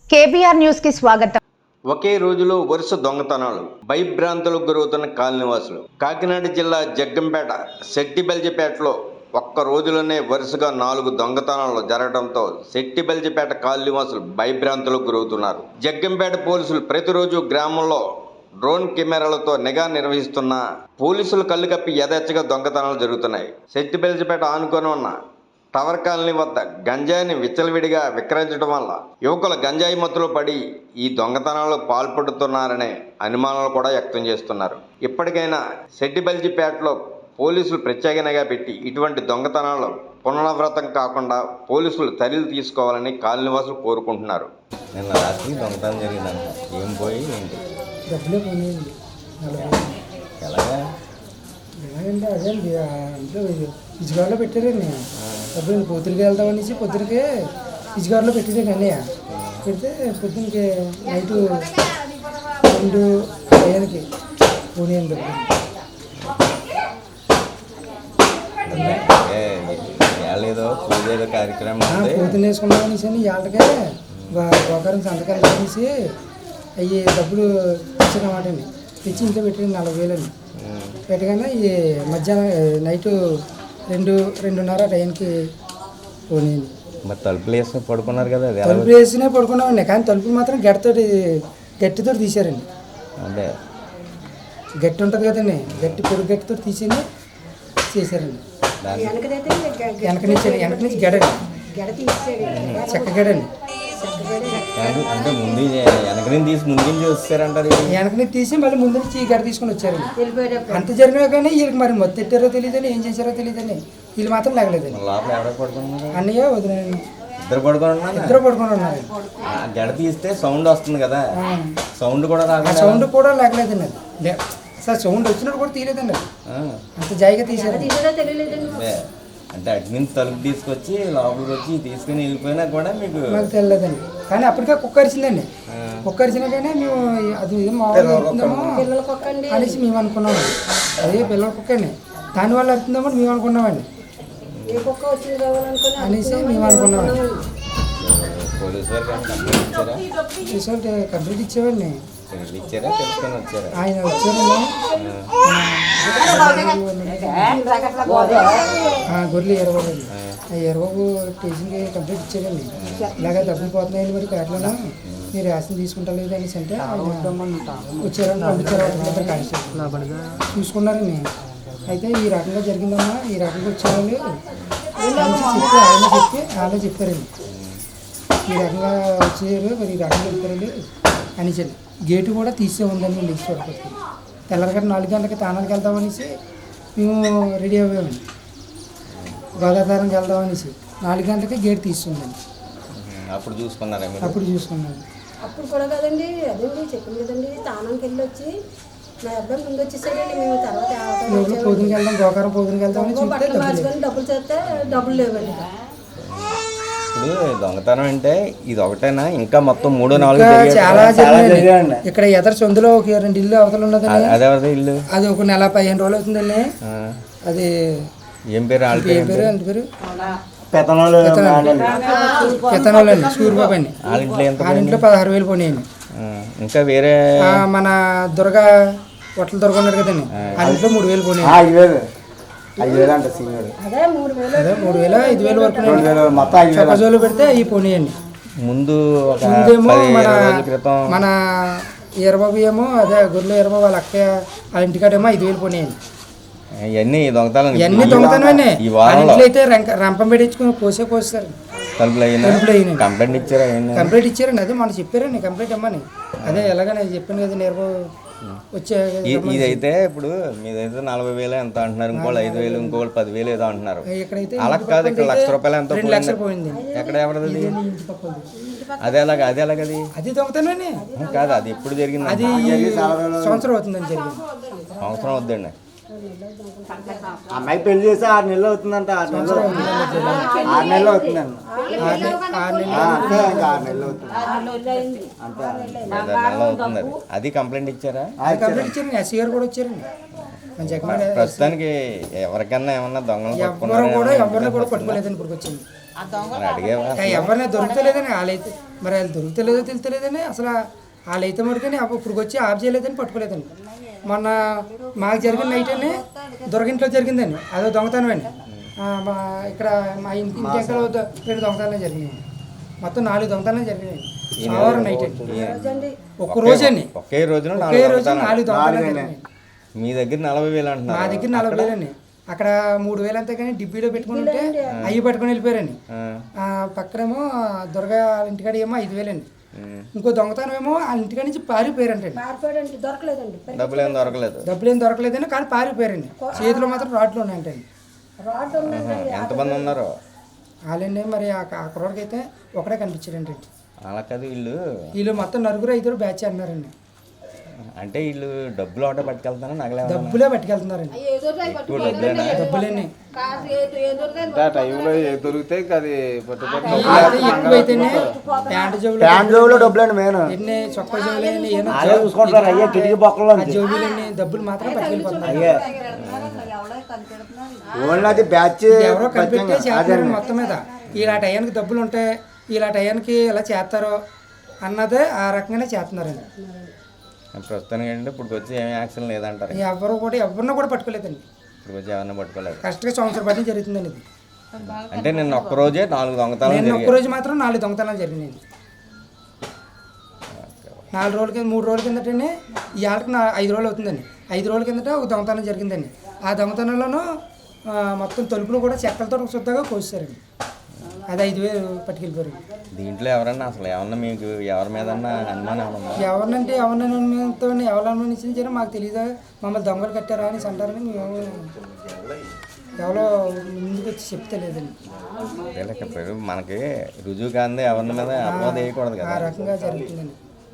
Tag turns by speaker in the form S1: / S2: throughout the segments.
S1: KBR news కి స్వాగతం.
S2: ఒకే రోజులో వరుస దొంగతనాలు, భయభ్రాంతులకు గురవుతున్న కాలనీవాసులు. కాకినాడ జిల్లా జగ్గంపేట శెట్టిబెల్జిపేటలో ఒక్క రోజులోనే వరుసగా 4 దొంగతనాలు జరగడంతో శెట్టిబెల్జిపేట కాలనీవాసులు భయభ్రాంతులకు గురవుతున్నారు. జగ్గంపేట పోలీసులు ప్రతిరోజు గ్రామంలో డ్రోన్ కెమెరాలతో నిఘా నిర్వహిస్తున్న పోలీసులు కళ్ళు కప్పి యథేచ్ఛగా దొంగతనాలు జరుగుతున్నాయి. శెట్టిబెల్జిపేట ఆనుకొని ఉన్న టవర్ కాలనీ వద్ద గంజాయిని విచ్చలవిడిగా విక్రయించడం వల్ల యువకులు గంజాయి మత్తులో పడి ఈ దొంగతనాలకు పాల్పడుతున్నారనే అనుమానాలు కూడా వ్యక్తం చేస్తున్నారు. ఇప్పటికైనా శెట్టిబెల్జిపేటలో పోలీసులు ప్రత్యేక నిఘా పెట్టి ఇటువంటి దొంగతనాలు పునరావృతం కాకుండా పోలీసులు చర్యలు తీసుకోవాలని కాలనీవాసులు కోరుకుంటున్నారు.
S3: నిన్న రాత్రి దొంగతనం జరిగిందంట. ఏం పోయి ఏంటి
S4: డబ్బులే పోనీయండి.
S3: ఎలాగా
S4: ఎలాగంటే అదే అంటే ఇసుగారులో పెట్టారండి. డబ్బులు పొద్దునకి వెళ్తామనేసి పొద్దునకే ఇసుగారులో పెట్టారండి అన్నయ్య. పెడితే పొద్దునకి నైట్ 2 AM పోనీయండి
S3: డబ్బులు. ఏదో పూజ ఏదో కార్యక్రమం
S4: పొద్దున్న వేసుకున్నామనేసి అని వాళ్ళకే గోకారం సంతకాలు అనేసి అవి డబ్బులు ఇచ్చారన్నమాట అండి. తెచ్చి ఇంట్లో పెట్టండి 40,000 అండి. పెట్టగానే ఈ మధ్యాహ్నం నైట్ 2:30 టైంకి పోనీయండి.
S3: మరి తలుపులు వేసి పడుకున్నారు కదా,
S4: తలుపులు వేసినే పడుకున్నామండి. కానీ తలుపులు మాత్రం గట్టితో తీశారండి.
S3: అదే
S4: గట్టి ఉంటుంది కదండి, పొడి గట్టితో తీసేని చేశారండి. వెనక నుంచి గడండి, చెక్క గడండి.
S3: అంటే ముందు వెనక నుంచి తీసి ముందు నుంచి వస్తారంటారు.
S4: వెనక నుంచి తీసి మళ్ళీ ముందు నుంచి గడ తీసుకొని వచ్చారండి. అంత జరిగినా కానీ వీళ్ళకి మరి మొత్తం ఎట్టారో తెలియదని, ఏం చేశారో తెలియదని వీళ్ళు మాత్రం లేగలేదండి.
S3: లోపల ఎవరో పడుకున్నారు?
S4: అన్నయ్య వదిలేండి.
S3: ఇద్దరు పడుకొని ఉన్నారు. గడ తీస్తే సౌండ్ వస్తుంది కదా, సౌండ్ కూడా రాదు.
S4: సౌండ్ కూడా లేగలేదండి. అది సార్ సౌండ్ వచ్చినప్పుడు కూడా తీయలేదండి. అంత జాయిగా తీసారు.
S3: అంటే అటు నుంచి తలుపు తీసుకొచ్చి లోపలికి వచ్చి తీసుకుని వెళ్ళిపోయినా కూడా మీకు
S4: మాకు తెలియలేదండి. కానీ అప్పటికే కుక్క అరిచిందండి. కుక్క అరిచినా కానీ మేము అది ఏం మామూలుగా అరుతుందేమో అనేసి మేము అనుకున్నాము. అదే పిల్లల కుక్క అండి, దానివల్ల అరుతుందేమో మేము అనుకున్నామండి అనేసి మేము అనుకున్నామండి.
S3: పోలీసు వారికి
S4: కంప్లీట్ ఇచ్చేవాడిని.
S3: ఇచ్చారా తెలుసుకొని వచ్చారా?
S4: ఆయన వచ్చారండి. గొర్రెలు ఎరబాబు ఎరబాబు స్టేషన్కి కంప్లీట్ ఇచ్చారండి. ఇలాగే డబ్బులు పోతున్నాయండి మరి పేటలో, మీరు రేషన్ తీసుకుంటా లేదు అనేసి అంటే వచ్చారని పంపించారు. చూసుకున్నారండి. అయితే ఈ రకంగా జరిగిందమ్మా, ఈ రకంగా వచ్చేవాళ్ళు వాళ్ళే చెప్పారండి. ఈ రకంగా వచ్చారు మరి ఈ రకంగా చెప్పారండి అనేసి. గేటు కూడా తీసే ఉందని లేచి చూడకపోతే తెల్లరగట్ట 4 గంటలకి తానానికి వెళ్దామనేసి మేము రెడీ అయ్యామండి. గోదావరికి వెళ్దామనేసి 4 గంటలకి గేట్ తీస్తుందండి.
S3: అప్పుడు చూసుకున్నాను.
S5: అప్పుడు కూడా కదండి, అదేంటి చెప్పింది కదండి. తానానికి వెళ్ళి వచ్చి మా అబ్బాయి ముందు వచ్చేసాడండి. మేము తర్వాత
S4: పొద్దునకి వెళ్దాం, గోకారం పొద్దునకి వెళ్దామని
S5: బట్టలు మార్చుకొని డబ్బులు చేస్తే డబ్బులు లేవండి.
S3: ఇప్పుడు దొంగతనం అంటే ఇది ఒకటేనా, ఇంకా మొత్తం 3-4
S4: చాలా జరిగింది. ఇక్కడ ఎదర సొందులో ఒక 2 ఇల్లు అవతల ఉన్నదండి.
S3: అదే ఇల్లు అది
S4: ఒక నెల 15 రోజులు అవుతుందండి. అది
S3: ఏం పేరు?
S4: అంత పేరు పెత్తనాలు అండి. సూర్యబాబు అండి. వాళ్ళ ఇంట్లో 16,000 పోనీయండి.
S3: ఇంకా వేరే
S4: మన దుర్గా హోటల్ దుర్గా ఉన్నారు కదండి, వాళ్ళ ఇంట్లో 3,000 పోనీయండి.
S5: 3,000
S4: 5,000 వరకు చక్కజోలు పెడితే అవి పోనీయండి.
S3: ముందేమో
S4: మన ఈరబాబు ఏమో అదే గొర్రెలు ఈరబాబు వాళ్ళ అక్క వాళ్ళ ఇంటికాడేమో 5,000 పోనీయండి.
S3: ఇవన్నీ దొంగతనం.
S4: దొంగతనమే. ఇంట్లో అయితే రంపం పెట్టించుకుని కోసేస్తారు.
S3: కంప్లైంట్
S4: ఇచ్చారండి. అదే మనం చెప్పారండి కంప్లైంట్ ఇమ్మని. అదే ఎలాగని చెప్పాను కదా నీరబాబు వచ్చే.
S3: ఇదైతే ఇప్పుడు మీదైతే 40,000 ఎంత అంటున్నారు, ఇంకోళ్ళు 5,000, ఇంకోళ్ళు 10,000 ఏదో అంటున్నారు. అలా కాదు, ఇక్కడ ₹1,00,000 ఎంతో
S4: 2 లక్షలు పోయింది.
S3: ఎక్కడ ఎవరిది? అదే ఎలాగది?
S4: అది దొంగతనమే
S3: కాదు. అది ఎప్పుడు జరిగింది?
S4: అది సంవత్సరం అవుతుందని జరిగింది.
S3: సంవత్సరం అవుతుందండి.
S6: అమ్మాయి పెళ్లి చేసి 6 నెలలు అవుతుందంట. 6 నెలలు అవుతుందండి. 6 నెలలు
S3: అవుతుంది. అది కంప్లైంట్ ఇచ్చారా?
S4: కంప్లైంట్ ఇచ్చారండి. ఎస్సీ గారు కూడా వచ్చారండి. మన జగన్
S3: ప్రస్తుతానికి ఎవరికన్నా ఏమన్నా దొంగలు
S4: ఎవరిని కూడా పట్టుకోలేదని ఇప్పుడు వచ్చింది.
S3: అడిగేవా
S4: ఎవరిని దొరుకుతలేదని వాళ్ళైతే మరి వాళ్ళు దొరుకుతలేదో తెలుతలేదని అసలు వాళ్ళైతే మటుకని ఇప్పుడు వచ్చి ఆఫ్ చేయలేదని పట్టుకోలేదండి. మొన్న మాకు జరిగిన నైట్ అని దొరకింట్లో జరిగిందండి, అదో దొంగతనం అండి. మా ఇక్కడ మా ఇంటి ఎక్కడ 2 దొంగతనాలు జరిగినాయి, మొత్తం 4 దొంగతనాలు జరిగినాయి సోమవారం నైట్ అండి. ఒక్క రోజు అండి,
S3: ఒకే రోజున
S4: 4 దొంగతనాలు జరిగినాయి.
S3: మీ దగ్గర 40,000
S4: మా
S3: అంటున్నారు,
S4: దగ్గర 40,000 అండి. అక్కడ 3,000 అంతే కానీ డిబ్బీలో పెట్టుకుని ఉంటే అవి పట్టుకొని వెళ్ళిపోయారండి. పక్కనేమో దుర్గా ఇంటికాడ ఏమో 5,000 అండి. ఇంకో దొంగతనం ఏమో వాళ్ళ ఇంటికాడ నుంచి పారిపోయారంటండి.
S5: దొరకలేదండి,
S3: డబ్బులు ఏం దొరకలేదు,
S4: డబ్బులు ఏం దొరకలేదని కానీ పారిపోయారండి. చేతిలో మాత్రం రాడ్లు ఉన్నాయంటండి.
S3: ఎంతమంది ఉన్నారు
S4: వాళ్ళండి మరి ఆ కుర్రోడికి అయితే ఒకడే కనిపించారండి.
S3: అలా కాదు,
S4: వీళ్ళు మొత్తం 4-5 బ్యాచ్ అన్నారండి.
S3: అంటే వీళ్ళు డబ్బులు ఒకటే పట్టుకెళ్తారా, నగలే
S4: డబ్బులే పట్టుకెళ్తున్నారండి. డబ్బులేని
S6: టైంలో ఏ దొరికితే అది
S4: ఎక్కువైతేనే
S6: ప్యాంట్ జోబులో డబ్బులండి మెయిన్
S4: ఎన్ని చొక్క జోబులని
S6: చూసుకుంటారు. అయ్యే కిటికీ పక్కలో
S4: జోబులన్నీ డబ్బులు మాత్రం పట్టుకెళ్ళిపోతున్నారు.
S6: అయ్యే ఓన్లీ అది బ్యాచ్
S4: ఎవరో కనిపెట్టే చేస్తారండి మొత్తం మీద. ఇలా టయానికి డబ్బులు ఉంటాయి, ఇలా టయానికి ఇలా చేస్తారో అన్నదే ఆ రకంగానే చేస్తున్నారండి.
S3: ప్రస్తుతానికి అంటే ఇప్పుడు వచ్చి ఏమి యాక్షన్ లేదంటారు,
S4: ఎవరిని కూడా పట్టుకోలేదండి.
S3: ఇప్పుడు వచ్చి ఎవరిని పట్టుకోలేదు.
S4: కరెక్ట్గా సంవత్సరం బట్టి జరుగుతుందండి ఇది.
S3: అంటే నిన్న ఒక్కరోజే 4 దొంగతనాలు,
S4: ఒక్కరోజు మాత్రం 4 దొంగతనాలు జరిగినాయండి. 4 రోజుల కింద 3 రోజుల కిందటనే ఇవాళకి 5 రోజులు అవుతుందండి. 5 రోజుల కిందట ఒక దొంగతనం జరిగిందండి. ఆ దొంగతనంలోనూ మొత్తం తలుపులు కూడా చెక్కలతో శుద్ధంగా కోసారండి. అది 5,000 పట్టుకెళ్ళిపోయారు.
S3: దీంట్లో ఎవరన్నా అసలు ఏమన్నా మీకు ఎవరి మీద అనుమానం ఉందా?
S4: ఎవరినంటే ఎవరిని ఎవరు అనుమానించారో మాకు తెలియదు. మమ్మల్ని దొంగలు కట్టారా అని అంటారని మేము ఎవరో ముందుకు వచ్చి చెప్తే లేదండి.
S3: మనకి రుజువు కాందే ఎవరి మీద అపవాద వేయకూడదు కదా,
S4: ఆ రకంగా జరుగుతుందండి.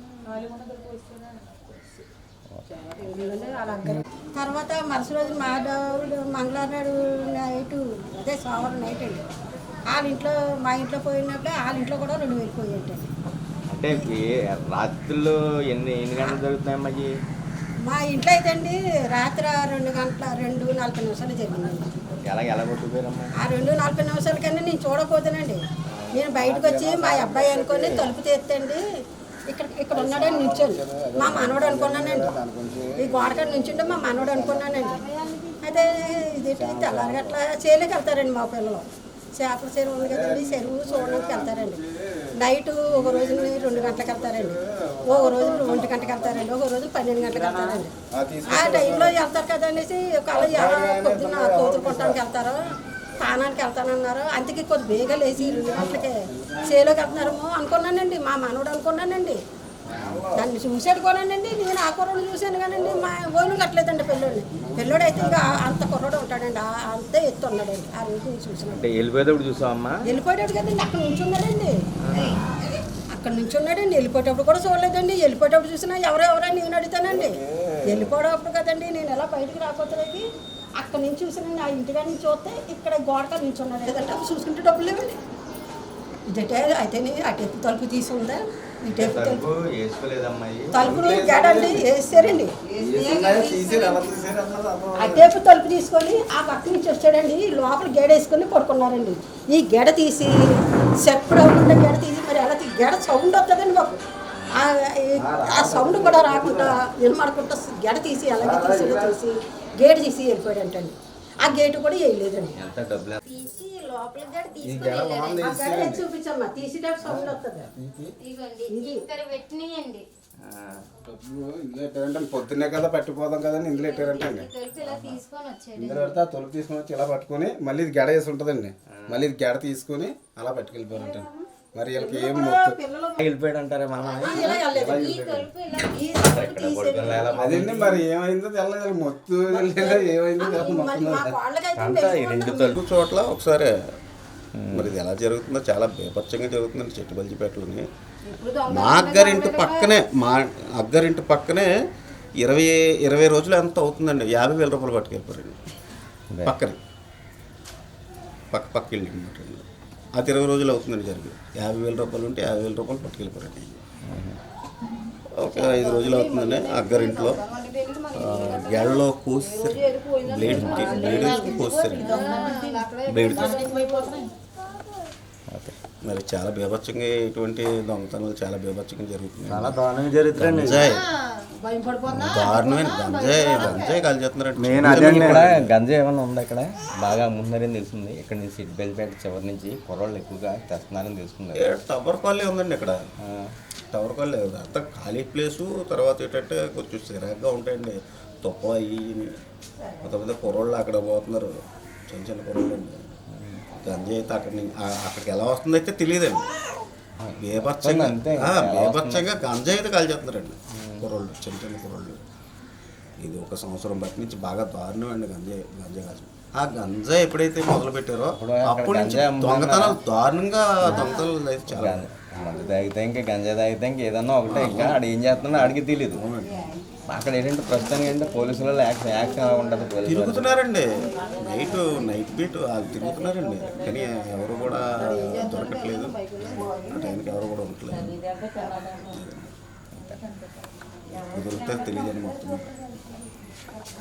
S5: తర్వాత మరుసటి రోజు మా మంగళవారం నాడు నైట్, అదే సోమవారం నైట్ అండి, వాళ్ళ ఇంట్లో మా ఇంట్లో పోయినప్పుడు వాళ్ళ ఇంట్లో కూడా 2,000 పోయేటండి.
S3: అంటే రాత్రులు ఎన్ని గంటలు జరుగుతున్నాయమ్మా?
S5: మా ఇంట్లో అయితే అండి రాత్రి 2:40 జరిగిందండి.
S3: ఎలా కొట్టుకుపోయారమ్మా?
S5: ఆ 2:40 కన్నా నేను చూడకపోతేనండి, నేను బయటకు వచ్చి మా అబ్బాయి అనుకొని తలుపు తీస్తండి, ఇక్కడ ఉన్నాడని నిల్చొని మా మనవడు అనుకున్నానండి. ఈ గోడకాడ నుంచుంటే మా మనవడు అనుకున్నానండి. అయితే ఇది తెల్లారి గట్లా చేలోకి వెళ్తారండి మా పిల్లలు. చేపల చెరువు ఉంది కదండి, చెరువు చూడడానికి వెళ్తారండి. నైట్ ఒక రోజు 2 గంటలకు వెళ్తారండి, ఒక రోజు 1 గంటకి వెళ్తారండి, ఒక రోజు 12 గంటలకు వెళ్తారండి. ఆ టైంలో వెళ్తారు కదా అనేసి ఒకవేళ పొద్దున్న కోతులు కొట్టడానికి వెళ్తారో స్థానానికి వెళ్తానన్నారు. అందుకే కొద్ది బేగా లేచి 2 గంటలకే చేలోకి వెళ్తున్నారేమో అనుకున్నానండి. మా మనవడు అనుకున్నానండి, దాన్ని చూసాడు కొనండి. నేను ఆ కుర్రోడు చూశాను కానండి, మా ఓను కట్టలేదండి పిల్లోడు అయితే ఇక అంత కుర్రోడు ఉంటాడండి, అంతే ఎత్తు ఉన్నాడండి. ఆ రోజు నేను చూసాను.
S3: వెళ్ళిపోయేటప్పుడు చూసావమ్మా?
S5: వెళ్ళిపోయాడు కదండి, అక్కడ నుంచి ఉన్నాడండి, అక్కడ నుంచి ఉన్నాడండి. వెళ్ళిపోయేటప్పుడు కూడా చూడలేదండి. వెళ్ళిపోయేటప్పుడు చూసినా ఎవరెవరని నేను అడుగుతానండి. వెళ్ళిపోయేటప్పుడు కదండి నేను ఎలా బయటికి రాకపోతే అక్కడ నుంచి చూసానండి. ఆ ఇంటికాడ నుంచి చూస్తే ఇక్కడ గోడకాడ నుంచి ఉన్నాడు కదండి. అప్పుడు చూసుకుంటే డబ్బులు లేవండి. ఇదైతే అయితేనే అటేపు తలుపు తీసి ఉందా, ఇటేపు తలుపులు గేడండి వేసారండి. అటేపు తలుపు తీసుకొని ఆ పక్క నుంచి వచ్చాడండి, లోపల గేడ వేసుకొని పడుకున్నారండి. ఈ గెడ తీసి సెప్పుడు అవ్వకుండా గెడ తీసి మరి అలా గెడ సౌండ్ వస్తుందండి మాకు. ఆ సౌండ్ కూడా రాకుండా వినమడకుండా గెడ తీసి అలాగే తీసి గేట్ తీసి వెళ్ళిపోయాడంటండి. ఆ గేటు కూడా వేయలేదండి. తీసి లోపల చూపించమ్మా, తీసేటప్పుడు సౌండ్ వస్తుంది.
S1: పొద్దున్నే కదా పట్టిపోదాం కదండి, ఇందులో పెట్టారంటే ఇందులో పెడితే ఆ తొలుపు తీసుకొని వచ్చి ఇలా పట్టుకొని మళ్ళీ ఇది గెడ వేసి ఉంటుందండి. మళ్ళీ ఇది గెడ తీసుకొని అలా పట్టుకెళ్ళిపోయారంట. మరి వీళ్ళకి ఏం
S3: వెళ్ళిపోయాడు అంటారా?
S1: అదండి మరి ఏమైందో తెల్లదు, మొత్తు ఏమైందో
S7: రెండు చోట్ల ఒకసారి. మరి ఇది ఎలా జరుగుతుందో చాలా బేపచ్చంగా జరుగుతుందండి చెట్టుబల్జిపేటలోని. మా అగ్గరింటి పక్కనే 20 రోజులు ఎంత అవుతుందండి, 50,000 రూపాయలు పట్టుకెళ్ళిపోరండి. పక్క ఇల్లు అనమాట. అది 20 రోజులు అవుతుందండి జరిగి. 50,000 రూపాయలు ఉంటే 50,000 రూపాయలు పట్టుకెళ్ళిపోరండి. ఒక 5 రోజులు అవుతుందండి అగ్గరింట్లో గెడలో కోసారు, బ్లేడ్ వేసుకుని కోసారండి, బ్లేడ్ మరి చాలా బీభత్సంగా ఇటువంటి దొంగతనాలు చాలా బీభత్సంగా జరుగుతున్నాయి.
S6: చాలా దారుణంగా జరుగుతుందండి.
S7: గంజాయి దారుణమైన గంజాయి కాల్ చేస్తున్నారండి.
S6: మెయిన్ అదే
S3: ఇక్కడ గంజాయి ఏమైనా ఉందా ఇక్కడ బాగా అమ్ముతున్నారని తెలిసింది. ఇక్కడ నుంచి సిట్బెల్పేట చివరి నుంచి కుర్రోళ్ళు ఎక్కువగా తెస్తున్నారని తెలుసుకున్నారు.
S7: టవర్ కాలనీ ఉందండి ఇక్కడ, టవర్ కాలనీ అంతా ఖాళీ ప్లేసు. తర్వాత ఏంటంటే కొంచెం సిరాగ్గా ఉంటాయండి, తుప్ప అయ్యి కొంతమంది కుర్రోళ్ళు అక్కడ పోతున్నారు, చిన్న చిన్న కుర్రోళ్ళు అండి. గంజాయి అయితే అక్కడికి ఎలా వస్తుందో అయితే తెలియదండి. బేభత్సంగా గంజాయి అయితే కాల్ చేస్తున్నారండి కుర్రోళ్ళు, చిన్న చిన్న కుర్రోళ్ళు. ఇది 1 సంవత్సరం బట్టి నుంచి బాగా దారుణం అండి గంజాయి కాల్చడం. ఆ గంజాయి ఎప్పుడైతే మొదలు పెట్టారో అప్పటి నుంచి దొంగతనాలు దారుణంగా దొంగతనాలు అయితే చాలా.
S3: మందు తాగితే ఇంకా గంజాయి తాగితే ఇంకా ఏదన్నా ఒకటే, ఇంకా ఆడు ఏం చేస్తున్నా ఆడికి తెలియదు. అక్కడ ఏంటంటే ప్రస్తుతానికి ఏంటంటే పోలీసుల యాక్షన్ అలా ఉంటుంది.
S7: తిరుగుతున్నారండి, నైట్ బీట్ వాళ్ళు తిరుగుతున్నారండి, కానీ ఎవరు కూడా దొరకట్లేదు, ఆ టైంకి ఎవరు కూడా ఉండట్లేదు. కుదిరితే తెలియదండి మొత్తం.